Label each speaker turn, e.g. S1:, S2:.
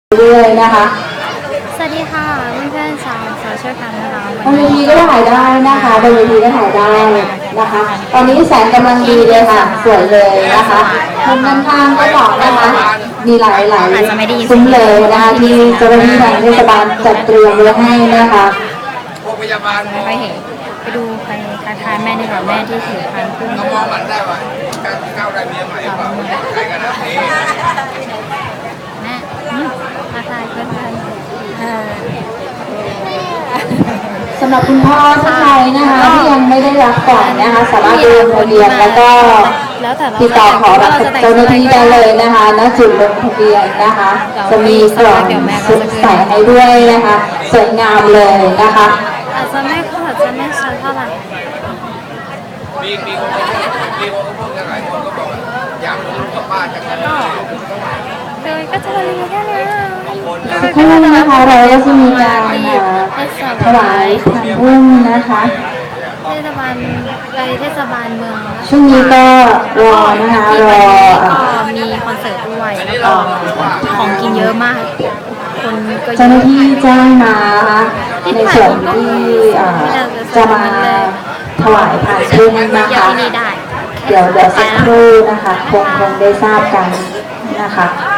S1: เรื่อยๆนะคะ
S2: สวัสดีค่ะเพื่อนๆชาวโซเชียลแคมนะคะ
S1: บนเวทีก็ถ่ายได้นะคะบนเวทีก็ถ่ายได้นะคะ ตอนนี้แสงกำลังดีเลยค่ะสวยเลยนะคะมุมด้านข้างก็บอกนะคะมีหลายๆซุ้มเลยนะคะที่เจ้าหน้าที่ทางเทศบาลจัดเตรียมไว้ให้นะคะ
S3: โรงพยาบาล
S2: ไม่ค่อยเห็นไปดูไปทักทายแม่ดีกว่าแม่ที่ถือพันพึ่ง
S3: เรามองมันได้ว่าการก้าวได้เมียใหม่เปล่าใครกันนะนี่
S2: แม่ทักทายเพื่อน
S1: สำหรับคุณพ่อท่านใดนะคะที่ยังไม่ได้รับก่อนนะคะสามารถลงทะเบียนแล้วก็ติดต่อขอรับเจ้าหน้าที่ได้เลยนะคะณจุดลงทะเบียนนะคะจะมีกล่องใส่ให้ด้วยนะคะสวยงามเลยนะคะ
S2: อาจจะไม่ชัดเท่าไหร่
S3: มีคนพูดกันหลายคนก็บอกว่าอยากรู้กับป้าจัง
S2: เลยก็จะรีวิวแค่นี้
S1: สักครู่นะคะเราก็จะมีการถวายทานอุ้มนะคะ
S2: เทศบาลเมือง
S1: ช่วงนี้ก็รอนะคะรอ
S2: มีคอนเสิร์ตด้วยแล้วก็ของกินเยอะมากคนก็
S1: เจ้าหน้าที่แจ้งมาในส่วนที่จะมาถวายผ่านพึ่งนะคะเดี๋ยวสักครู่นะคะคงได้ทราบกันนะคะ